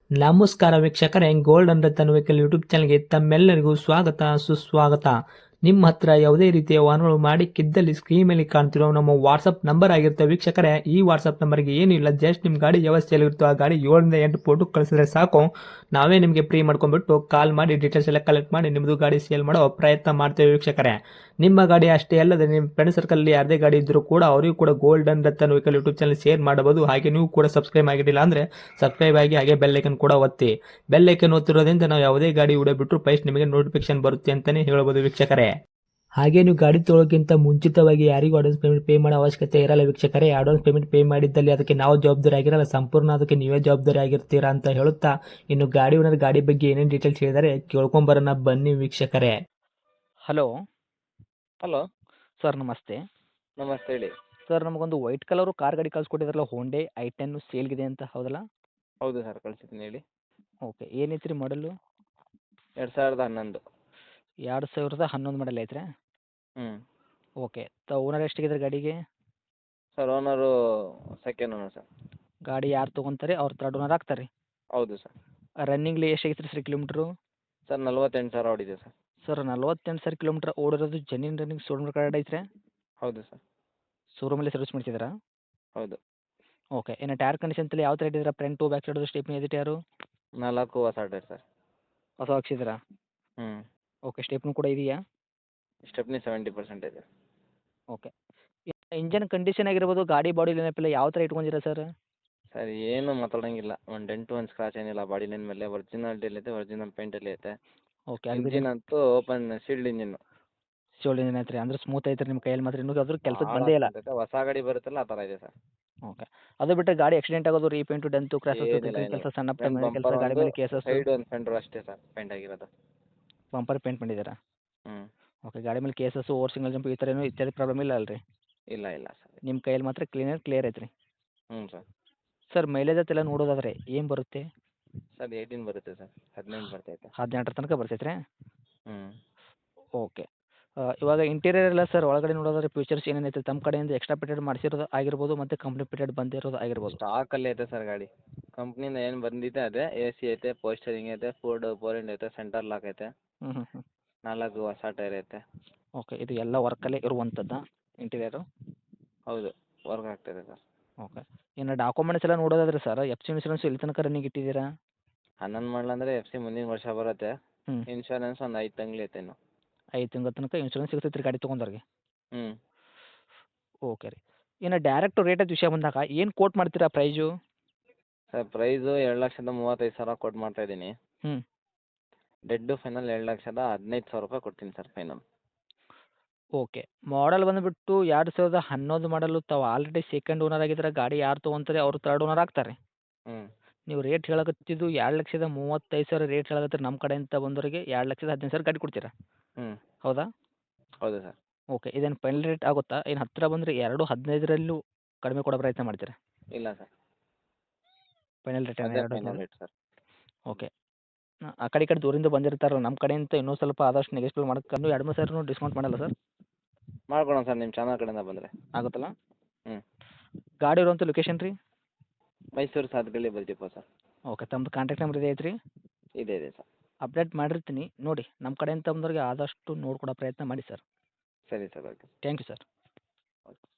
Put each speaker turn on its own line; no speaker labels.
ನಮಸ್ಕಾರ ವೀಕ್ಷಕರೇ, gold and Ratan vehicle YouTube ಚಾನಲ್ಗೆ ತಮ್ಮೆಲ್ಲರಿಗೂ ಸ್ವಾಗತ ಸುಸ್ವಾಗತ. ನಿಮ್ಮ ಹತ್ರ ಯಾವುದೇ ರೀತಿಯ ವಾಹನಗಳು ಮಾಡಿಕ್ಕಿದ್ದಲ್ಲಿ ಸ್ಕ್ರೀನ್ ಮೇಲೆ ಕಾಣ್ತಿರೋ ನಮ್ಮ ವಾಟ್ಸಪ್ ನಂಬರ್ ಆಗಿರುತ್ತೆ ವೀಕ್ಷಕರೇ. ಈ ವಾಟ್ಸಪ್ ನಂಬರ್ಗೆ ಏನಿಲ್ಲ, ಜಸ್ಟ್ ನಿಮ್ಮ ಗಾಡಿ ವ್ಯವಸ್ಥೆಯಲ್ಲಿರುತ್ತೋ ಆ ಗಾಡಿ 7 ರಿಂದ 8 ಫೋಟೋ ಕಳಿಸಿದ್ರೆ ಸಾಕು, ನಾವೇ ನಿಮಗೆ ಫ್ರೀ ಮಾಡ್ಕೊಂಡ್ಬಿಟ್ಟು ಕಾಲ್ ಮಾಡಿ ಡೀಟೇಲ್ಸ್ ಎಲ್ಲ ಕಲೆಕ್ಟ್ ಮಾಡಿ ನಿಮ್ಮದು ಗಾಡಿ ಸೇಲ್ ಮಾಡೋ ಪ್ರಯತ್ನ ಮಾಡ್ತೇವೆ ವೀಕ್ಷಕರೇ. ನಿಮ್ಮ ಗಾಡಿ ಅಷ್ಟೇ ಅಲ್ಲದೆ ನಿಮ್ಮ ಫ್ರೆಂಡ್ ಸರ್ಕಲ್ ಯಾರದೇ ಗಾಡಿ ಇದ್ದರೂ ಕೂಡ ಅವರಿಗೂ ಕೂಡ gold and Ratan vehicle YouTube channel share ಮಾಡಬಹುದು. ಹಾಗೆ ನೀವು ಕೂಡ ಸಬ್ಸ್ಕ್ರೈಬ್ ಆಗಿರಲಿಲ್ಲ ಅಂದರೆ ಸಬ್ಸ್ಕ್ರೈಬ್ ಆಗಿ ಹಾಗೆ ಬೆಲ್ ಐಕನ್ ಕೂಡ ಒತ್ತಿ. ಬೆಲ್ ಐಕನ್ ಒತ್ತಿರೋದ್ರಿಂದ ನಾವು ಯಾವುದೇ ಗಾಡಿ ವಿಡಿಯೋ ಬಿಟ್ಟರು ಫಸ್ಟ್ ನಿಮಗೆ ನೋಟಿಫಿಕೇಶನ್ ಬರುತ್ತೆ ಅಂತಾನೆ ಹೇಳ್ಬೋದು ವೀಕ್ಷಕರೇ. ಹಾಗೆ ನೀವು ಗಾಡಿ ತೊಳೋಕ್ಕಿಂತ ಮುಂಚಿತವಾಗಿ ಯಾರಿಗೂ ಅಡ್ವಾನ್ಸ್ ಪೇಮೆಂಟ್ ಪೇ ಮಾಡೋ ಅವಶ್ಯಕತೆ ಇರಲ್ಲ ವೀಕ್ಷಕರೇ. ಅಡ್ವಾನ್ಸ್ ಪೇಮೆಂಟ್ ಪೇ ಮಾಡಿದ್ದಲ್ಲಿ ಅದಕ್ಕೆ ನಾವು ಜವಾಬ್ದಾರಿ ಆಗಿರಲ್ಲ, ಸಂಪೂರ್ಣ ಅದಕ್ಕೆ ನೀವೇ ಜವಾಬ್ದಾರಿ ಆಗಿರ್ತೀರಾ ಅಂತ ಹೇಳುತ್ತಾ, ಇನ್ನು ಗಾಡಿ ಓನರ್ ಗಾಡಿ ಬಗ್ಗೆ ಏನೇನು ಡೀಟೇಲ್ಸ್ ಹೇಳಿದರೆ ಕೇಳ್ಕೊಂಬರೋಣ ಬನ್ನಿ ವೀಕ್ಷಕರೇ.
ಹಲೋ
ಹಲೋ
ಸರ್, ನಮಸ್ತೆ.
ನಮಸ್ತೆ ಹೇಳಿ.
ಸರ್, ನಮಗೊಂದು ವೈಟ್ ಕಲರು ಕಾರ್ ಗಾಡಿ ಕಳ್ಸಿಕೊಟ್ಟಿದ್ರಲ್ಲ, ಹೋಂಡೆ i10 ಸೇಲ್ಗಿದೆ ಅಂತ, ಹೌದಲ್ಲ?
ಹೌದು ಸರ್, ಕಳಿಸಿದ್ದೀನಿ ಹೇಳಿ.
ಓಕೆ, ಏನೈತ್ರಿ ಮಾಡಲು?
2011.
2011 ಮಾಡಲ್ ಐತ್ರಿ?
ಹ್ಞೂ
ಓಕೆ, ಓನರ್ ಎಷ್ಟಾಗಿದ್ರೆ ಗಾಡಿಗೆ?
Sir, owner second owner sir.
ಗಾಡಿ ಯಾರು ತೊಗೊಂತಾರೆ ಅವ್ರು ಥರ್ಡ್ ಓನರ್ ಆಗ್ತಾರೆ?
ಹೌದು ಸರ್.
ರನ್ನಿಂಗ್ಲಿ ಎಷ್ಟಾಗಿತ್ತು ಸರ್ ಕಿಲೋಮೀಟ್ರು?
ಸರ್ 48,000 ಓಡಿದೆ ಸರ್.
ಸರ್, 48,000 ಕಿಲೋಮೀಟ್ರ್ ಓಡಿರೋದು ಜೆನ್ಯೂನ್ ರನ್ನಿಂಗ್ ಶೋರೂಮ್ ಕಾರ್ಡ್ ಐತ್ರಿ?
ಹೌದು ಸರ್.
ಶೋರೂಮಲ್ಲಿ ಸರ್ವಿಸ್ ಮಾಡಿಸಿದ್ರಾ?
ಹೌದು.
ಓಕೆ, ಇನ್ನು ಟೈರ್ ಕಂಡೀಷನ್ ತಲೆ ಯಾವ ಥರ ಇಟ್ಟಿದ್ದೀರಾ? ಫ್ರಂಟು ಬ್ಯಾಕ್ ಸೈಡು ಸ್ಟೆಪ್ನಿ ಇದೆ ಟೈರು?
4 ಹೊಸ ಟೈರ್ ಸರ್.
ಹೊಸ ಹಾಕ್ಸಿದ್ದೀರಾ?
ಹ್ಞೂ
ಓಕೆ, ಸ್ಟೆಪ್ನು ಕೂಡ ಇದೆಯಾ?
ಸ್ಟೆಪ್ನಿ 70% ಇದೆ.
ಓಕೆ, ಇಂಜನ್ ಕಂಡೀಷನ್ ಆಗಿರ್ಬೋದು, ಗಾಡಿ ಬಾಡಿ ನೆನಪಿಲ್ಲ ಯಾವ ಥರ ಇಟ್ಕೊಂಡಿರಾ ಸರ್?
ಸರ್, ಏನು ಮಾತಾಡೋಂಗಿಲ್ಲ. ಒಂದು ಡೆಂಟು ಒಂದು ಸ್ಕ್ರಾಚ್ ಏನಿಲ್ಲ ಗಾಡಿ ಲೈನ್ ಮೇಲೆ. ಒರಿಜಿನಾಲಿಟಿಯಲ್ಲಿ ಐತೆ, ಒರಿಜಿನಲ್ ಪೇಂಟಲ್ಲಿ ಐತೆ.
ಓಕೆ,
ಇಂಜಿನ್ ಅಂತೂ ಓಪನ್ ಸೀಲ್ಡ್ ಇಂಜಿನ್ನು.
ಶೋಲ್ಡ್ ಇಂಜಿನ್ ಐತ್ರಿ, ಅಂದ್ರೆ ಸ್ಮೂತ್ ಐತ್ರಿ ನಿಮ್ಮ ಕೈಯಲ್ಲಿ ಮಾತ್ರ, ಇನ್ನೂ ಅದ್ರ ಕೆಲ್ಸಕ್ಕೆ
ಭಾಳ
ಬಂದೇ ಇಲ್ಲ?
ಸ್ಮೂತ್ ಐತೆ. ಹೊಸ ಗಾಡಿ ಬರುತ್ತಲ್ಲ ಆ ಥರ ಇದೆ ಸರ್.
ಓಕೆ, ಅದು ಬಿಟ್ಟರೆ ಗಾಡಿ ಆಕ್ಸಿಡೆಂಟ್ ಆಗೋದು, ರೀಪೇಂಟು, ಡೆಂತು, ಕ್ರ್ಯಾಸಸ್,
ಏನಿಲ್ಲ
ತಿರ್ಗಿನ
ಏನಿಲ್ಲ.
ಕೆಲಸ, ಸಣ್ಣ ಪುಟ್ಟ
ಫ್ರಂಟ್
ಮನೆ ಕೆಲಸ,
ಬಂಪರ್
ಗಾಡಿ
ಒಂದು,
ಮೇಲೆ ಕೇಸಸ್,
ಸೈಡ್ ಒಂದು ಫೆಂಡ್ರು ಅಷ್ಟೇ ಸರ್ ಪೇಂಟ್ ಆಗಿರೋದು.
ಬಂಪರ್ ಪೇಂಟ್ ಮಾಡಿದ್ದೀರಾ?
ಹ್ಞೂ
ಓಕೆ, ಗಾಡಿ ಮೇಲೆ ಕೇಸಸ್ಸು, ಓವರ್ ಸಿಂಗಲ್ ಜಂಪ್ ಈ ಥರ ಏನೂ ಇತ್ಯಾದಿ ಪ್ರಾಬ್ಲಮ್ ಇಲ್ಲ ಅಲ್ರಿ?
ಇಲ್ಲ ಇಲ್ಲ ಸರ್.
ನಿಮ್ಮ ಕೈಯಲ್ಲಿ ಮಾತ್ರ ಕ್ಲಿಯರ್ ಐತ್ರಿ?
ಹ್ಞೂ ಸರ್.
ಸರ್, ಮೈಲೇಜ್ ಅಂತೆಲ್ಲ ನೋಡೋದಾದ್ರೆ ಏನು ಬರುತ್ತೆ?
ಸರ್ 18 ಬರುತ್ತೆ ಸರ್. 18 ಬರ್ತೈತೆ.
18 ತನಕ ಬರ್ತೈತ್ರಿ?
ಹ್ಞೂ
ಓಕೆ, ಇವಾಗ ಇಂಟೀರಿಯರ್ ಎಲ್ಲ ಸರ್ ಒಳಗಡೆ ನೋಡೋದಾದ್ರೆ ಫ್ಯೂಚರ್ಸ್ ಏನೇನೈತೆ ತಮ್ಮ ಕಡೆಯಿಂದ ಎಕ್ಸ್ಟ್ರಾ ಫಿಟೆಡ್ ಮಾಡಿಸಿರೋದು ಆಗಿರ್ಬೋದು, ಮತ್ತು ಕಂಪ್ನಿ ಫಿಟೆಡ್ ಬಂದಿರೋದು ಆಗಿರ್ಬೋದು?
ಸ್ಟಾಕಲ್ಲಿ ಐತೆ ಸರ್ ಗಾಡಿ. ಕಂಪ್ನಿಯಿಂದ ಏನು ಬಂದಿದೆ ಅದೇ. AC ಐತೆ, ಪೋಸ್ಟರಿಂಗ್ ಐತೆ, ಫೋರ್ ಇಂಡ್ ಐತೆ, ಸೆಂಟರ್ ಲಾಕ್ ಐತೆ,
ಹ್ಞೂ ಹ್ಞೂ ಹ್ಞೂ
4 ಹೊಸ ಟೈರ್ ಐತೆ.
ಓಕೆ, ಇದು ಎಲ್ಲ ವರ್ಕಲ್ಲೇ ಇರುವಂಥದ್ದಾ ಇಂಟೀರಿಯರು?
ಹೌದು, ವರ್ಕ್ ಆಗ್ತಾಯಿದೆ ಸರ್.
ಓಕೆ, ಇನ್ನು ಡಾಕ್ಯುಮೆಂಟ್ಸ್ ಎಲ್ಲ ನೋಡೋದಾದ್ರೆ ಸರ್, FC ಇನ್ಶೂರೆನ್ಸ್ ಎಲ್ಲಿ ತನಕ ರನ್ನಿಂಗ್ ಇಟ್ಟಿದ್ದೀರಾ?
11 ಮಾಡಲಂದರೆ FC ಮುಂದಿನ ವರ್ಷ ಬರುತ್ತೆ.
ಹ್ಞೂ,
ಇನ್ಶೂರೆನ್ಸ್ ಒಂದು 5 ತಿಂಗ್ಳು ಐತೆ ಇನ್ನು.
5 ತಿಂಗಳ ತನಕ ಇನ್ಶೂರೆನ್ಸ್ ಸಿಗ್ತೈತೆ ರೀ ಗಾಡಿ ತೊಗೊಂಡವ್ರಿಗೆ?
ಹ್ಞೂ
ಓಕೆ ರೀ, ಇನ್ನು ಡೈರೆಕ್ಟ್ ರೇಟದ ವಿಷಯ ಬಂದಾಗ ಏನು ಕೋಟ್ ಮಾಡ್ತೀರಾ ಪ್ರೈಜು?
ಸರ್, ಪ್ರೈಸು 2,35,000 ಕೊಟ್ಟು ಮಾಡ್ತಾಯಿದ್ದೀನಿ.
ಹ್ಞೂ,
ಡೆಡ್ಡು ಫೈನಲ್ 2,15,000 ರೂಪಾಯಿ ಕೊಡ್ತೀನಿ ಸರ್ ಫೈನಲ್.
ಓಕೆ, ಮಾಡಲ್ ಬಂದುಬಿಟ್ಟು 2011 ಮಾಡಲು, ತಾವು ಆಲ್ರೆಡಿ ಸೆಕೆಂಡ್ ಓನರ್ ಆಗಿದ್ರೆ, ಗಾಡಿ ಯಾರು ತೊಗೊಂತಾರೆ ಅವರು ಥರ್ಡ್ ಓನರ್ ಆಗ್ತಾರೆ.
ಹ್ಞೂ
ನೀವು ರೇಟ್ ಹೇಳಕತ್ತಿದ್ದು 2,35,000 ರೇಟ್ ಹೇಳಕತ್ತೀರಿ, ನಮ್ಮ ಕಡೆಯಿಂದ ಬಂದವರಿಗೆ 2,15,000 ಗಾಡಿ ಕೊಡ್ತೀರಾ?
ಹ್ಞೂ
ಹೌದಾ?
ಹೌದು ಸರ್.
ಓಕೆ, ಇದೇನು ಫೈನಲ್ ರೇಟ್ ಆಗುತ್ತಾ? ಏನು ಹತ್ತಿರ ಬಂದರೆ 2,15 ಕಡಿಮೆ ಕೊಡೋ ಪ್ರಯತ್ನ ಮಾಡ್ತೀರಾ?
ಇಲ್ಲ ಸರ್,
ಫೈನಲ್ ರೇಟ್
ಅದೇ
2,15?
Final rate sir.
ಓಕೆ, ಆ ಕಡೆ ಈ ಕಡೆ ದೂರಿಂದ ಬಂದಿರ್ತಾರಲ್ಲ, ನಮ್ಮ ಕಡೆಯಿಂದ ಇನ್ನೂ ಸ್ವಲ್ಪ ಆದಷ್ಟು ನೆಗೆಸ್ಟಿವ್ ಮಾಡಕ್ಕೆ 2-3 ಸಾವಿರ ಡಿಸ್ಕೌಂಟ್ ಮಾಡಲ್ಲ ಸರ್?
ಮಾಡ್ಕೊಡೋಣ ಸರ್, ನಿಮ್ಮ ಚಾನಲ್ ಕಡೆಯಿಂದ ಬಂದರೆ.
ಆಗುತ್ತಲ್ಲ?
ಹ್ಞೂ
ಗಾಡಿ ಇರುವಂಥ ಲೊಕೇಶನ್ ರೀ?
ಮೈಸೂರು ಸಾತ್ಗಳ್ಳಿ ಬಲ್ತಿಪ್ಪ ಸರ್.
ಓಕೆ, ತಮ್ಮದು ಕಾಂಟ್ಯಾಕ್ಟ್ ನಂಬರ್ ಇದೆ ಐತ್ರಿ?
ಇದೆ ಇದೆ ಸರ್.
ಅಪ್ಡೇಟ್ ಮಾಡಿರ್ತೀನಿ ನೋಡಿ, ನಮ್ಮ ಕಡೆಯಿಂದ ಬಂದವ್ರಿಗೆ ಆದಷ್ಟು ನೋಡ್ಕೊಡೋ ಪ್ರಯತ್ನ ಮಾಡಿ ಸರ್.
ಸರಿ sir, okay.
Thank you sir.